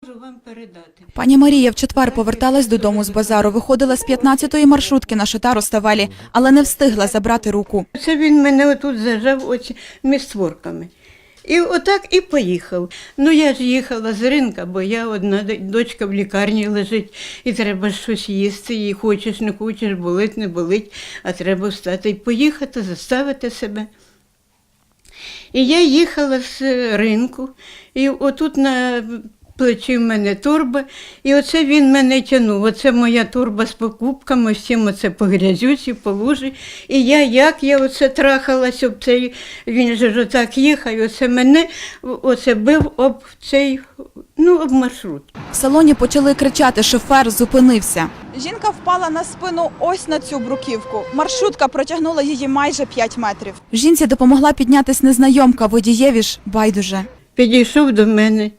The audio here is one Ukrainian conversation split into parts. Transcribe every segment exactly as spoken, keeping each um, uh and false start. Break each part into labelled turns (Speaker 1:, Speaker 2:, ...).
Speaker 1: Можу вам передати.
Speaker 2: Пані Марія в четвер поверталась додому з базару. Виходила з п'ятнадцятої маршрутки на Шатаро-Ставелі, але не встигла забрати руку.
Speaker 1: Це він мене отут зажав оцими створками. І отак і поїхав. Ну я ж їхала з ринка, бо я одна дочка в лікарні лежить, і треба щось їсти, і хочеш, не хочеш, болить, не болить, а треба встати і поїхати, заставити себе. І я їхала з ринку, і отут на плечі в мене торба, і оце він мене тягнув. Оце моя торба з покупками, всім оце по грязюці, по лужі. І я, як я оце трахалась об цей, він же ж отак їхав, і оце мене оце бив об цей, ну, об маршрут.
Speaker 2: В салоні почали кричати, шофер зупинився. Жінка впала на спину ось на цю бруківку. Маршрутка протягнула її майже п'ять метрів. Жінці допомогла піднятись незнайомка, водієві ж байдуже.
Speaker 1: Підійшов до мене.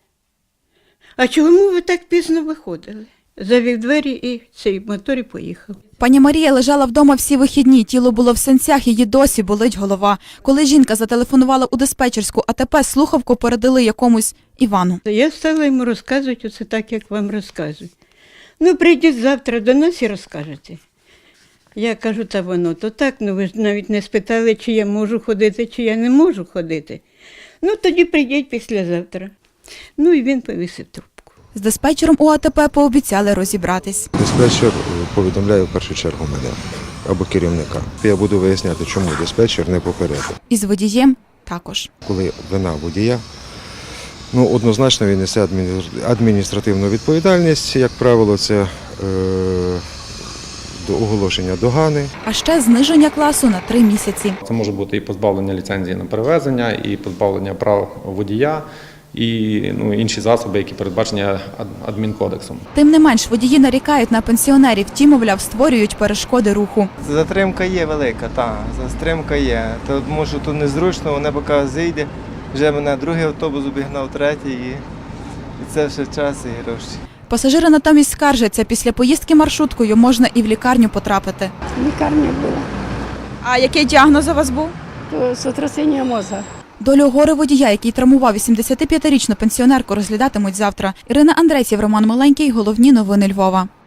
Speaker 1: А чому ви так пізно виходили? Завів двері і цей мотор і поїхав.
Speaker 2: Пані Марія лежала вдома всі вихідні, тіло було в синцях, її досі болить голова. Коли жінка зателефонувала у диспетчерську АТП, слухавку передали якомусь Івану.
Speaker 1: Я стала йому розказувати оце так, як вам розказують. Ну, прийдіть завтра до нас і розкажете. Я кажу, та воно то так, ну ви ж навіть не спитали, чи я можу ходити, чи я не можу ходити. Ну, тоді прийдіть післязавтра. Ну, і він повісив трубку.
Speaker 2: З диспетчером у АТП пообіцяли розібратись.
Speaker 3: Диспетчер повідомляє в першу чергу мене або керівника. Я буду виясняти, чому диспетчер не попередив.
Speaker 2: І з водієм також.
Speaker 3: Коли вина водія, ну, однозначно він несе адміністративну відповідальність, як правило, це е, до оголошення догани.
Speaker 2: А ще зниження класу на три місяці.
Speaker 4: Це може бути і позбавлення ліцензії на перевезення, і позбавлення прав водія, і ну, інші засоби, які передбачені адмінкодексом.
Speaker 2: Тим не менш, водії нарікають на пенсіонерів, ті, мовляв, створюють перешкоди руху.
Speaker 5: Затримка є велика, так, затримка є. Тому що тут незручно, вона поки зійде, вже мене другий автобус обігнав, третій, і, і це все час і гроші.
Speaker 2: Пасажири натомість скаржаться, після поїздки маршруткою можна і в лікарню потрапити.
Speaker 6: Лікарня була,
Speaker 2: А який діагноз у вас був?
Speaker 6: то сотрясіння мозга.
Speaker 2: Долю горе водія, який травмував вісімдесятип'ятирічну пенсіонерку, розглядатимуть завтра. Ірина Андресів, Роман Маленький. Головні новини Львова.